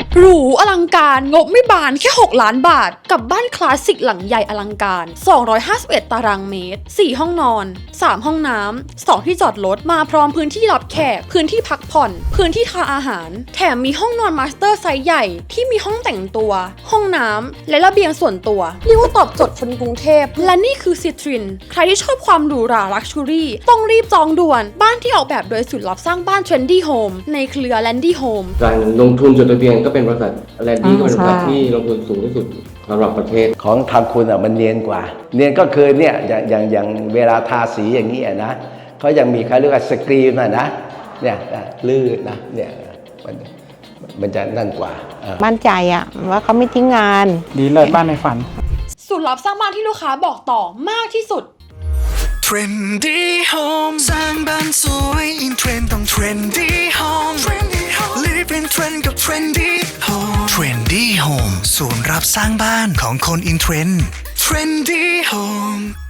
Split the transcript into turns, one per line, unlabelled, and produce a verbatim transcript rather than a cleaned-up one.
หรูอลังการงบไม่บานแค่หกล้านบาทกับบ้านคลาสสิกหลังใหญ่อลังการสองร้อยห้าสิบเอ็ดตารางเมตรสี่ห้องนอนสามห้องน้ำสองที่จอดรถมาพร้อมพื้นที่รับแขกพื้นที่พักผ่อนพื้นที่ทานอาหารแถมมีห้องนอนมาสเตอร์ไซส์ใหญ่ที่มีห้องแต่งตัวห้องน้ำและระเบียงส่วนตัวเรียกว่าตอบโจทย์คนกรุงเทพและนี่คือซิตรินใครที่ชอบความหรูหราลักชัวรี่ต้องรีบจองด่วนบ้านที่ออกแบบโดยศูนย์รับสร้างบ้านเทรนดี้โฮมในเครือแลนดี้โฮม
การลงทุนจดทะเบียนก็เป็นบริษัทแลนดี้ก็เป็นบริษัทที่ลงทุนสูงที่สุดสำหรับประเทศ
ของทางคุณอ่ะมันเนียนกว่าเนียนก็คือเนี่ยอย่างอย่างอย่างเวลาทาสีอย่างนี้นะเขายังมีเขาเรียกว่าสกรีนนะนะเนี่ยลื่นนะเนี่ยมันมันจะนั่นกว่า
มั่นใจอะว่าเขาไม่ทิ้งงาน
ดีเลยบ้านในฝัน
ศูนย์รับสร้างบ้านที่ลูกค้าบอกต่อมากที่สุด
Trendy Home สร้างบ้านสวยอินเทรนด์ต้อง Trendy Home Live in Trend กับ Trendy Home Trendy Home ศูนย์รับสร้างบ้านของคนอินเทรนด์ Trendy Home